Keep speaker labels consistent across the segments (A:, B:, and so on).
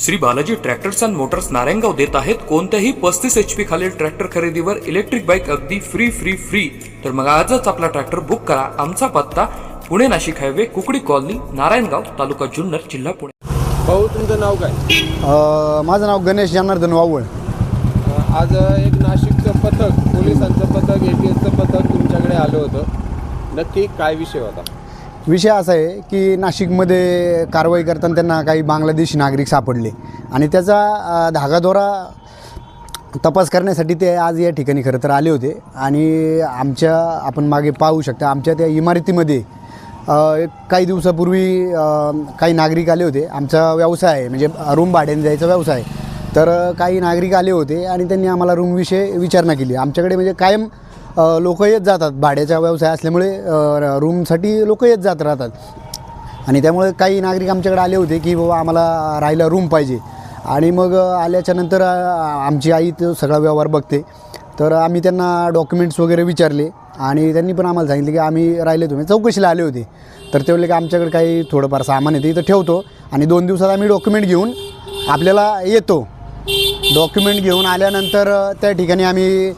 A: Shri Balaji tractors and motors Narayangaon देत आहेत कोणत्याही 35 HP खालील ट्रॅक्टर खरेदीवर इलेक्ट्रिक बाईक अगदी फ्री। तर मग आजच आपला ट्रॅक्टर बुक करा। आमचा पत्ता पुणे नाशिक हायवे कुकडी कॉलनी नारायणगाव तालुका जुन्नर जिल्हा पुणे।
B: भाऊ तुमचं नाव काय?
C: माझं नाव गणेश जनार्दन वावळ।
B: आज एक नाशिकचं पथक, पोलिसांचं पथक, ATSचं पथक तुमच्याकडे आलं होतं, नक्की काय विषय होता?
C: विषय असा आहे की नाशिकमध्ये कारवाई करताना त्यांना काही बांगलादेशी नागरिक सापडले आणि त्याचा धागादोरा तपास करण्यासाठी ते आज या ठिकाणी खरं तर आले होते। आणि आपण मागे पाहू शकता आमच्या त्या इमारतीमध्ये काही दिवसापूर्वी काही नागरिक आले होते। आमचा व्यवसाय आहे म्हणजे रूम भाड्याने द्यायचा व्यवसाय, तर काही नागरिक आले होते आणि त्यांनी आम्हाला रूमविषयी विचारणा केली। आमच्याकडे म्हणजे कायम लोक येत जातात, भाड्याचा व्यवसाय असल्यामुळे रूमसाठी लोक येत जात राहतात आणि त्यामुळे काही नागरिक आमच्याकडे आले होते की बाबा आम्हाला राहायला रूम पाहिजे। आणि मग आल्याच्यानंतर आमची आई तो सगळा व्यवहार बघते, तर आम्ही त्यांना डॉक्युमेंट्स वगैरे विचारले आणि त्यांनी पण आम्हाला सांगितलं की आम्ही राहिले, तुम्ही चौकशीला आले होते, तर ते बोलले की आमच्याकडे काही थोडंफार सामान येते इथं ठेवतो आणि 2 दिवसात आम्ही डॉक्युमेंट घेऊन आपल्याला येतो। डॉक्युमेंट घेऊन आल्यानंतर त्या ठिकाणी आम्ही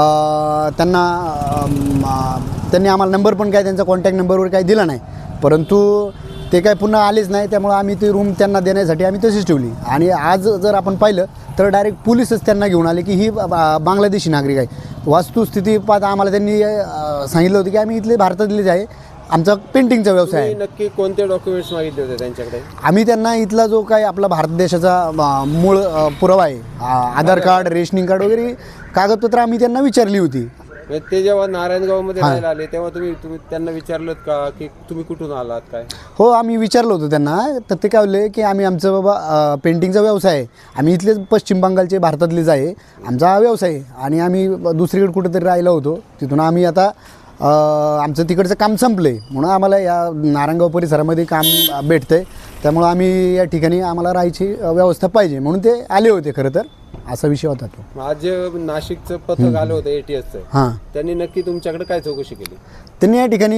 C: त्यांनी आम्हाला नंबर पण काय त्यांचा कॉन्टॅक्ट नंबरवर काही दिला नाही, परंतु ते काय पुन्हा आलेच नाही। त्यामुळे आम्ही ती रूम त्यांना देण्यासाठी आम्ही तशीच ठेवली आणि आज जर आपण पाहिलं तर डायरेक्ट पोलीसच त्यांना घेऊन आले की ही बांगलादेशी नागरिक आहे। वास्तुस्थिती पाहता आम्हाला त्यांनी सांगितलं होतं की आम्ही इथले भारतातलेच आहे, आमचा पेंटिंगचा व्यवसाय आहे।
B: नक्की कोणते डॉक्युमेंट्स मागितले होते त्यांच्याकडे?
C: आम्ही त्यांना इथला जो काही आपला भारत देशाचा मूळ पुरावा आहे, आधार कार्ड, रेशनिंग कार्ड वगैरे कागदपत्र आम्ही त्यांना विचारली होती।
B: ते जेव्हा नारायणगावमध्ये राहायला आले तेव्हा तुम्ही त्यांना विचारलं का की तुम्ही कुठून आलात काय?
C: हो, आम्ही विचारलं होतं त्यांना, तर ते काय बोलले की आम्ही आमचं बाबा पेंटिंगचा व्यवसाय आहे, आम्ही इथलेच पश्चिम बंगालचे भारतातलेच आहे, आमचा हा व्यवसाय आहे आणि आम्ही दुसरीकडे कुठेतरी राहिलो होतो, तिथून आम्ही आता आमचं तिकडचं काम संपलं आहे म्हणून आम्हाला या नारायणगाव परिसरामध्ये काम भेटतं आहे, त्यामुळं आम्ही या ठिकाणी आम्हाला राहायची व्यवस्था पाहिजे म्हणून ते आले होते। खरं तर असा विषय होता तो।
B: आज जे नाशिकचं पथक आलं होतं ATSचं,
C: हां,
B: त्यांनी नक्की तुमच्याकडे काय चौकशी केली?
C: त्यांनी या ठिकाणी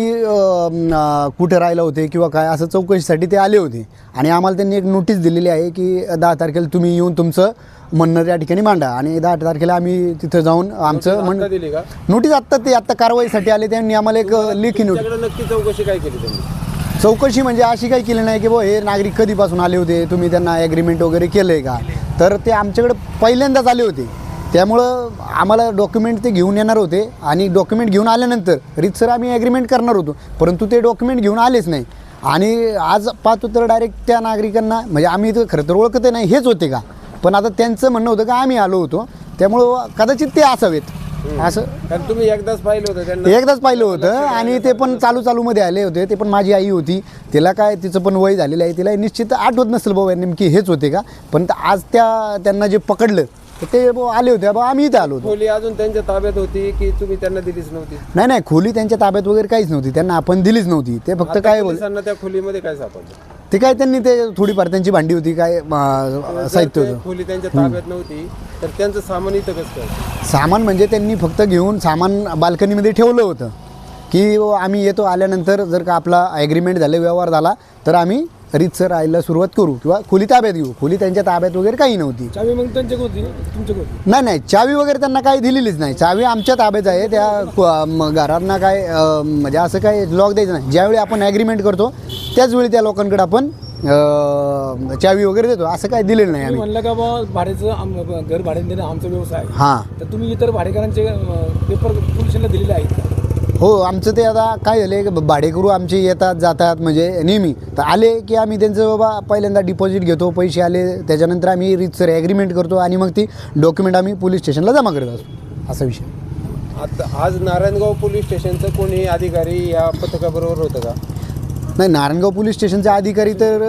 C: कुठे राहिलं होते किंवा काय असं चौकशीसाठी ते आले होते आणि आम्हाला त्यांनी एक नोटीस दिलेली आहे की 10 तारखेला तुम्ही येऊन तुमचं म्हणणं त्या ठिकाणी मांडा आणि 10 तारखेला आम्ही तिथं जाऊन आमचं म्हणणं
B: दिली का?
C: नोटीस आत्ता कारवाईसाठी आले, त्यांनी आम्हाला एक लेखी नोटीस।
B: नक्की चौकशी काय केली त्यांनी?
C: चौकशी म्हणजे अशी काही केली नाही की बुवा हे नागरिक कधीपासून आले होते, तुम्ही त्यांना ॲग्रीमेंट वगैरे केलं आहे का, तर ते आमच्याकडे पहिल्यांदाच आले होते, त्यामुळं आम्हाला डॉक्युमेंट ते घेऊन येणार होते आणि डॉक्युमेंट घेऊन आल्यानंतर रीतसर आम्ही ॲग्रीमेंट करणार होतो, परंतु ते डॉक्युमेंट घेऊन आलेच नाही। आणि आज पाहतो तर डायरेक्ट त्या नागरिकांना म्हणजे आम्ही तर खरं तर ओळखत नाही हेच होते का, पण आता त्यांचं म्हणणं होतं का आम्ही आलो होतो, त्यामुळं कदाचित ते असावेत असं।
B: कारण तुम्ही एकदाच पाहिलं होतं त्यांना?
C: एकदाच पाहिलं होतं आणि ते पण चालूमध्ये आले होते, ते पण माझी आई होती, तिला काय तिचं पण वय झालेलं आहे, तिला निश्चित आठवत नसेल बाबा नेमकी हेच होते का, पण आज त्यांना जे पकडलं तर ते आले होते बाबा आम्ही इथं आलो होतो।
B: खोली अजून त्यांच्या ताब्यात होती की तुम्ही त्यांना दिलीच नव्हती?
C: नाही, खोली त्यांच्या ताब्यात वगैरे काहीच नव्हती, त्यांना आपण दिलीच नव्हती। ते फक्त काय
B: पोलिसांना त्या खोलीमध्ये काय सापडलं?
C: ते काय त्यांनी ते थोडीफार त्यांची भांडी होती, काय साहित्य होतं।
B: खोली त्यांच्या ताब्यात नव्हती तर त्यांचं सामान इथं कसं काय?
C: सामान म्हणजे त्यांनी फक्त घेऊन सामान बाल्कनीमध्ये ठेवलं होतं की आम्ही येतो, आल्यानंतर जर का आपला ॲग्रीमेंट झालं, व्यवहार झाला तर आम्ही रीतसर राहायला सुरुवात करू किंवा खोली ताब्यात घेऊ। खोली त्यांच्या ताब्यात वगैरे काही नव्हती।
B: चावी मग त्यांच्याकडे होती तुमच्याकडे?
C: नाही, चावी वगैरे त्यांना काही दिलेलीच नाही, चावी आमच्या ताब्यात आहे। त्या घरांना काय म्हणजे असं काय लॉक द्यायचं नाही, ज्यावेळी आपण ॲग्रीमेंट करतो त्याचवेळी त्या लोकांकडे आपण चावी वगैरे देतो, असं काय दिलेलं नाही आम्ही।
D: म्हणलं का बा भाड्याचं घर भाड्याने देणं आमचा व्यवसाय आहे,
C: हां,
D: तर तुम्ही इतर भाडेकरांचे पेपर पोलिसांना दिलेले आहेत?
C: हो, आमचं ते आता काय झालं भाडेकरू आमचे येतात जातात म्हणजे नेहमी, तर आले की आम्ही त्यांचं बाबा पहिल्यांदा डिपॉझिट घेतो, पैसे आले त्याच्यानंतर आम्ही रीतसर ॲग्रीमेंट करतो आणि मग ती डॉक्युमेंट आम्ही पोलीस स्टेशनला जमा करत असतो, असा विषय।
B: आता आज नारायणगाव पोलीस स्टेशनचं कोणी अधिकारी या पथकाबरोबर होतं का?
C: नाही, नारायणगाव पोलीस स्टेशनचे अधिकारी तर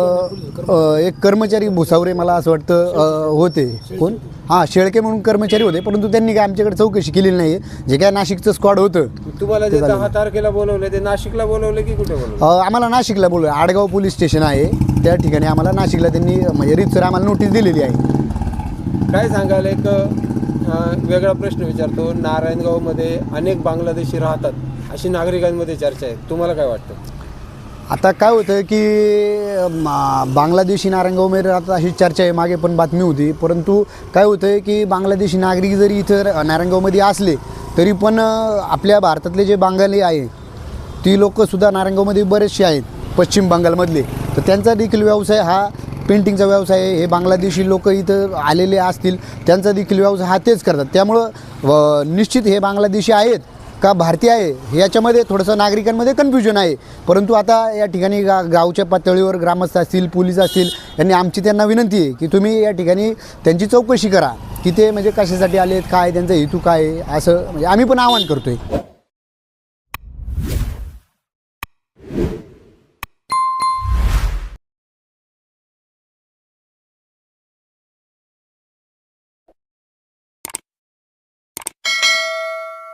C: एक कर्मचारी भुसावरे मला असं वाटतं होते, कोण हां शेळके म्हणून कर्मचारी होते, परंतु त्यांनी काय आमच्याकडे चौकशी केलेली नाही आहे। जे काय नाशिकचं स्क्वॉड होतं
B: तुम्हाला जे 10 तारखेला बोलवले ते नाशिकला बोलवले की कुठे बोलवले?
C: आम्हाला नाशिकला बोलवलं, आडगाव पोलीस स्टेशन आहे त्या ठिकाणी आम्हाला नाशिकला त्यांनी म्हणजे रीतसर आम्हाला नोटीस दिलेली आहे।
B: काय सांगाल? एक वेगळा प्रश्न विचारतो, नारायणगावमध्ये अनेक बांगलादेशी राहतात अशी नागरिकांमध्ये चर्चा आहे, तुम्हाला काय वाटतं?
C: आता काय होतं की बांगलादेशी नारंगावमध्ये आता अशी चर्चा आहे, मागे पण बातमी होती, परंतु काय होतं आहे की बांगलादेशी नागरिक जरी इथं नारंगावमध्ये असले तरी पण आपल्या भारतातले जे बांगाली आहे ती लोकंसुद्धा नारंगावमध्ये बरेचसे आहेत पश्चिम बंगालमधले, तर त्यांचा देखील व्यवसाय हा पेंटिंगचा व्यवसाय आहे. हे बांगलादेशी लोक इथं आलेले असतील त्यांचा देखील व्यवसाय हा तेच करतात. त्यामुळं निश्चित हे बांगलादेशी आहेत का भारतीय आहे याच्यामध्ये थोडंसं नागरिकांमध्ये कन्फ्युजन आहे. परंतु आता या ठिकाणी गावच्या पातळीवर ग्रामस्थ असतील, पोलीस असतील, यांनी आमची त्यांना विनंती आहे की तुम्ही या ठिकाणी त्यांची चौकशी करा की ते म्हणजे कशासाठी आलेत, काय त्यांचा हेतू काय आहे, असं म्हणजे आम्ही पण आवाहन करतो आहे.